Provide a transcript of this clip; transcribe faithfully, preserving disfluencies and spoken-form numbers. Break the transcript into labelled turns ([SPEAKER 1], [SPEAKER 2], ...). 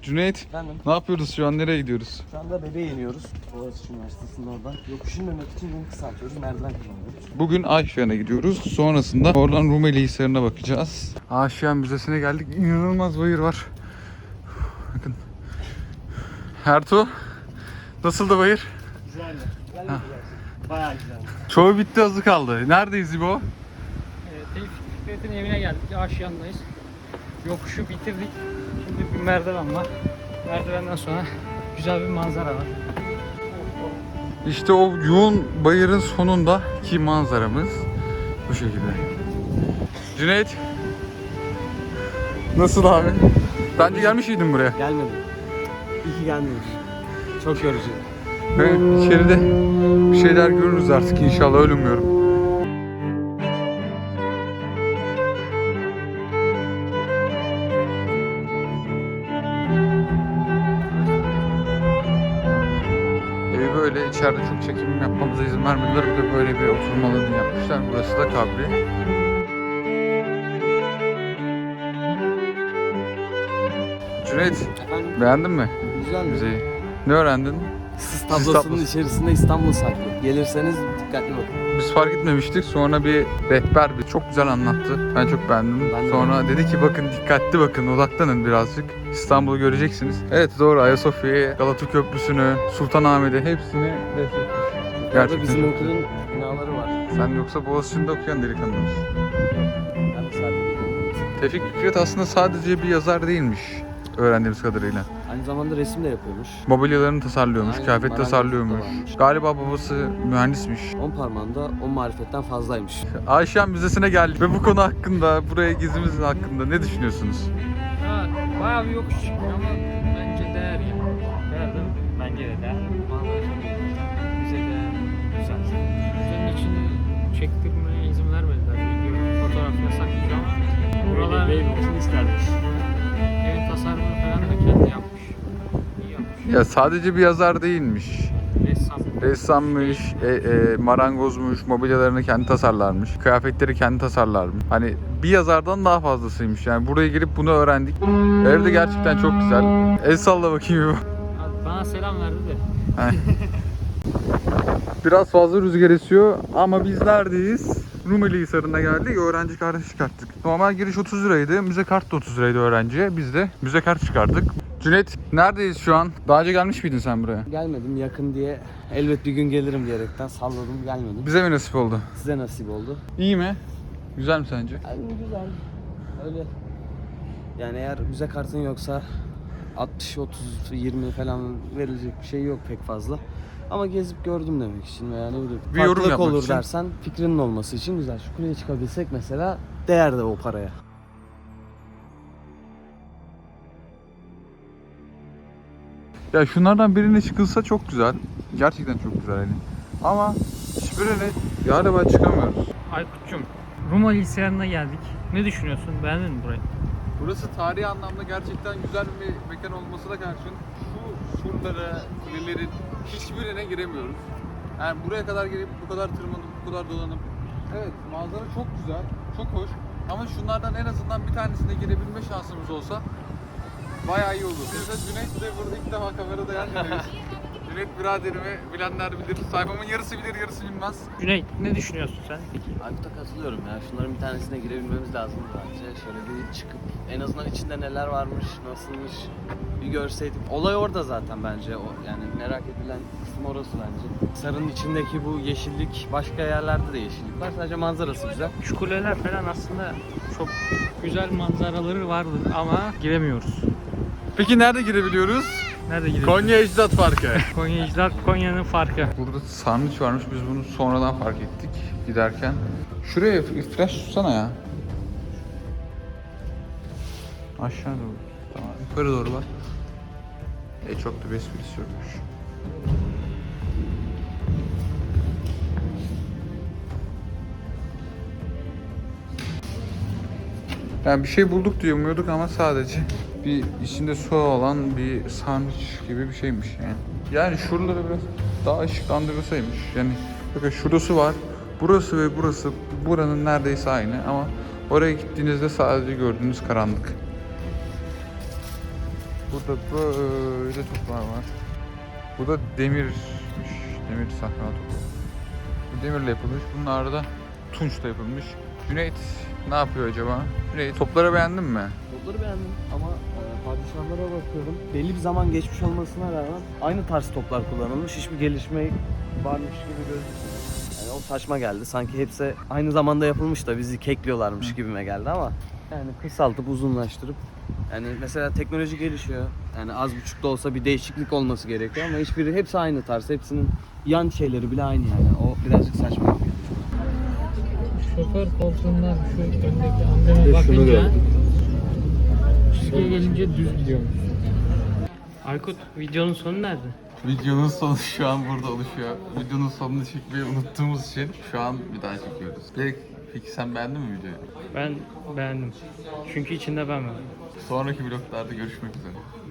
[SPEAKER 1] Cüneyt,
[SPEAKER 2] Efendim?
[SPEAKER 1] ne yapıyoruz şu an? Nereye gidiyoruz?
[SPEAKER 2] Şu anda Bebe'ye iniyoruz. Boğaziçi Üniversitesi'nin oradan. Yokuş inmemek için yolu kısaltıyoruz. Merdiven kullanıyoruz.
[SPEAKER 1] Bugün Ayşehan'a gidiyoruz. Sonrasında oradan Rumeli Hisarı'na bakacağız. Ayşehan Müzesi'ne geldik. İnanılmaz bayır var. Bakın. Ertuğ, nasıldı bayır?
[SPEAKER 2] Güzeldi. Güzel mi? Bayağı güzeldi.
[SPEAKER 1] Çoğu bitti, azı kaldı. Neredeyiz İbo?
[SPEAKER 3] Evet, Tevfik Fikret'in evine geldik. Aşağındayız. Yokuşu bitirdik. Şimdi bir merdiven var. Merdivenden sonra güzel bir manzara var.
[SPEAKER 1] İşte o yoğun bayırın sonundaki manzaramız bu şekilde. Cüneyt, nasıl abi? Bence gelmiş miydin buraya?
[SPEAKER 2] Gelmedim. İyi ki gelmemiş. Çok yorucu.
[SPEAKER 1] Ve içeride bir şeyler görürüz artık inşallah, öyle umuyorum. Evi böyle içeride çok çekim yapmamıza izin vermediler. Bir de böyle bir oturma alanı yapmışlar. Burası da kabri. Cüneyt,
[SPEAKER 2] Efendim?
[SPEAKER 1] beğendin mi
[SPEAKER 2] Güzel mi?
[SPEAKER 1] müzeyi? Ne öğrendin?
[SPEAKER 2] Sis
[SPEAKER 1] Sis
[SPEAKER 2] tablosunun
[SPEAKER 1] tablosu.
[SPEAKER 2] içerisinde İstanbul saklı. Gelirseniz dikkatli bakın.
[SPEAKER 1] Biz fark etmemiştik. Sonra bir rehber bir çok güzel anlattı. Ben çok beğendim.
[SPEAKER 2] Ben de
[SPEAKER 1] Sonra dedi ki bakın, dikkatli bakın, odaklanın birazcık. İstanbul'u göreceksiniz. Evet doğru, Ayasofya'yı, Galata Köprüsü'nü, Sultanahmet'i hepsini resmetmiş.
[SPEAKER 2] Burada
[SPEAKER 1] Gerçekten
[SPEAKER 2] bizim
[SPEAKER 1] çok
[SPEAKER 2] okulun
[SPEAKER 1] güzel.
[SPEAKER 2] binaları var.
[SPEAKER 1] Sen yoksa Boğaziçi'nde okuyan delikanlı mısın?
[SPEAKER 2] Ben de sadece
[SPEAKER 1] Tevfik Fikret aslında sadece bir yazar değilmiş öğrendiğimiz kadarıyla.
[SPEAKER 2] aynı zamanda resim de yapıyormuş.
[SPEAKER 1] Mobilyalarını tasarlıyormuş,
[SPEAKER 2] Aynen,
[SPEAKER 1] kıyafet
[SPEAKER 2] marangozluk
[SPEAKER 1] tasarlıyormuş.
[SPEAKER 2] da varmış.
[SPEAKER 1] Galiba babası mühendismiş.
[SPEAKER 2] On parmağında on marifetten fazlaymış.
[SPEAKER 1] Ayşehan Müzesi'ne geldik ve bu konu hakkında, buraya gezimizin hakkında ne düşünüyorsunuz?
[SPEAKER 3] Ha, bayağı bir yokuş çıkıyor ama bence değer ya. Değer değil mi? Bence de değer. Manzara çok güzel. Bize değer. Güzel. Müzenin içini çektirmeye izin vermediler. Video, fotoğraf yasaklıydı ama buralar
[SPEAKER 2] Öyle olsun istermiş.
[SPEAKER 3] evin tasarımını falan da kendi yapmış. İyi yapmış.
[SPEAKER 1] Ya sadece bir yazar değilmiş.
[SPEAKER 3] Ressam.
[SPEAKER 1] Ressammış, e, e, marangozmuş, mobilyalarını kendi tasarlarmış, kıyafetleri kendi tasarlarmış. Hani bir yazardan daha fazlasıymış. Yani buraya gelip bunu öğrendik. Evde gerçekten çok güzel. El salla bakayım.
[SPEAKER 3] Abi bana selam verdi de.
[SPEAKER 1] Biraz fazla rüzgar esiyor ama biz neredeyiz? Rumeli Hisarı'na geldik. Öğrenci kartı çıkarttık. Normal giriş otuz liraydı. Müze kart da otuz liraydı öğrenciye. Biz de müze kart çıkarttık. Cüneyt, neredeyiz şu an? Daha önce gelmiş miydin sen buraya?
[SPEAKER 2] Gelmedim yakın diye elbet bir gün gelirim diyerekten salladım gelmedim.
[SPEAKER 1] Bize mi nasip oldu?
[SPEAKER 2] Size nasip oldu.
[SPEAKER 1] İyi mi? Güzel mi sence?
[SPEAKER 2] Yani güzel. Öyle. Yani eğer müze kartın yoksa altmış otuz yirmi falan verilecek bir şey yok pek fazla. Ama gezip gördüm demek için veya ne bileyim.
[SPEAKER 1] Bir yorum
[SPEAKER 2] farklılık
[SPEAKER 1] yapmak
[SPEAKER 2] olur
[SPEAKER 1] için.
[SPEAKER 2] dersen fikrinin olması için güzel. Şu kuleye çıkabilsek mesela değer de o paraya.
[SPEAKER 1] Ya şunlardan birine çıkılsa çok güzel. Gerçekten çok güzel yani. Ama hiçbirine galiba çıkamıyoruz.
[SPEAKER 3] Aykut'cum, Rumeli Hisarı'na geldik. Ne düşünüyorsun? Beğendin mi burayı?
[SPEAKER 1] Burası tarihi anlamda gerçekten güzel bir mekan olmasına karşın şu surlara, kulelerin hiçbirine giremiyoruz. Yani buraya kadar gelip bu kadar tırmanıp, bu kadar dolanıp, evet manzara çok güzel, çok hoş. Ama şunlardan en azından bir tanesine girebilme şansımız olsa bayağı iyi olur. Biz de Cüneyt de burada ilk defa kamerada yan yanayız. Cüneyt biraderimi bilenler bilir. Sayfamın yarısı bilir, yarısı bilmez.
[SPEAKER 3] Cüneyt, ne düşünüyorsun sen peki?
[SPEAKER 2] Aykut'a katılıyorum ya. Şunların bir tanesine girebilmemiz lazım bence. Şöyle bir çıkıp en azından içinde neler varmış, nasılmış bir görseydik. Olay orada zaten bence. O yani merak edilen kısım orası bence. Sarının içindeki bu yeşillik, başka yerlerde de yeşillik var. Sadece manzarası güzel.
[SPEAKER 3] Şu kuleler falan aslında çok güzel manzaraları vardı ama giremiyoruz.
[SPEAKER 1] Peki nerede girebiliyoruz?
[SPEAKER 3] Nerede gidiyoruz?
[SPEAKER 1] Konya Ecdat Parkı.
[SPEAKER 3] Konya İcdat, Konya'nın farkı.
[SPEAKER 1] Burada sarnıç varmış, biz bunu sonradan fark ettik giderken. Şuraya flash tutsana ya. Aşağı doğru. Tamam, yukarı doğru bak. E çok da bir esprisi yokmuş. Yani bir şey bulduk diye umuyorduk ama sadece bir içinde su olan bir sarnıç gibi bir şeymiş yani. Yani şuraları biraz daha ışıklandırılsaymış. Yani bakın şurası var. Burası ve burası buranın neredeyse aynı ama oraya gittiğinizde sadece gördüğünüz karanlık. Burada böyle toplar var. Bu da demirmiş. Demir sahra topu. Bu demirle yapılmış. Bunlar da tunçla yapılmış. Cüneyt ne yapıyor acaba? Cüneyt topları beğendin mi?
[SPEAKER 2] Topları beğendim ama e, padişahlara bakıyorum. Belli bir zaman geçmiş olmasına rağmen aynı tarz toplar kullanılmış. Hiçbir gelişme varmış gibi gözükmüyor. Yani o saçma geldi. Sanki hepsi aynı zamanda yapılmış da bizi kekliyorlarmış
[SPEAKER 1] Hı.
[SPEAKER 2] gibime geldi ama yani kısaltıp uzunlaştırıp yani mesela teknoloji gelişiyor. Yani az buçuk da olsa bir değişiklik olması gerekiyor ama hiçbiri hepsi aynı tarz. Hepsinin yan şeyleri bile aynı yani. O birazcık saçma gibi.
[SPEAKER 3] Şoför koltuğundan şu öndeki ambeme
[SPEAKER 2] Şunu
[SPEAKER 3] bakınca
[SPEAKER 2] gördüm.
[SPEAKER 3] şuraya gelince düz gidiyormuş. Aykut, videonun sonu nerede?
[SPEAKER 1] Videonun sonu şu an burada oluşuyor. Videonun sonunu çekmeyi unuttuğumuz için şu an bir daha çekiyoruz. Peki, peki sen beğendin mi videoyu?
[SPEAKER 3] Ben beğendim. Çünkü içinde ben varım.
[SPEAKER 1] Sonraki vloglarda görüşmek üzere.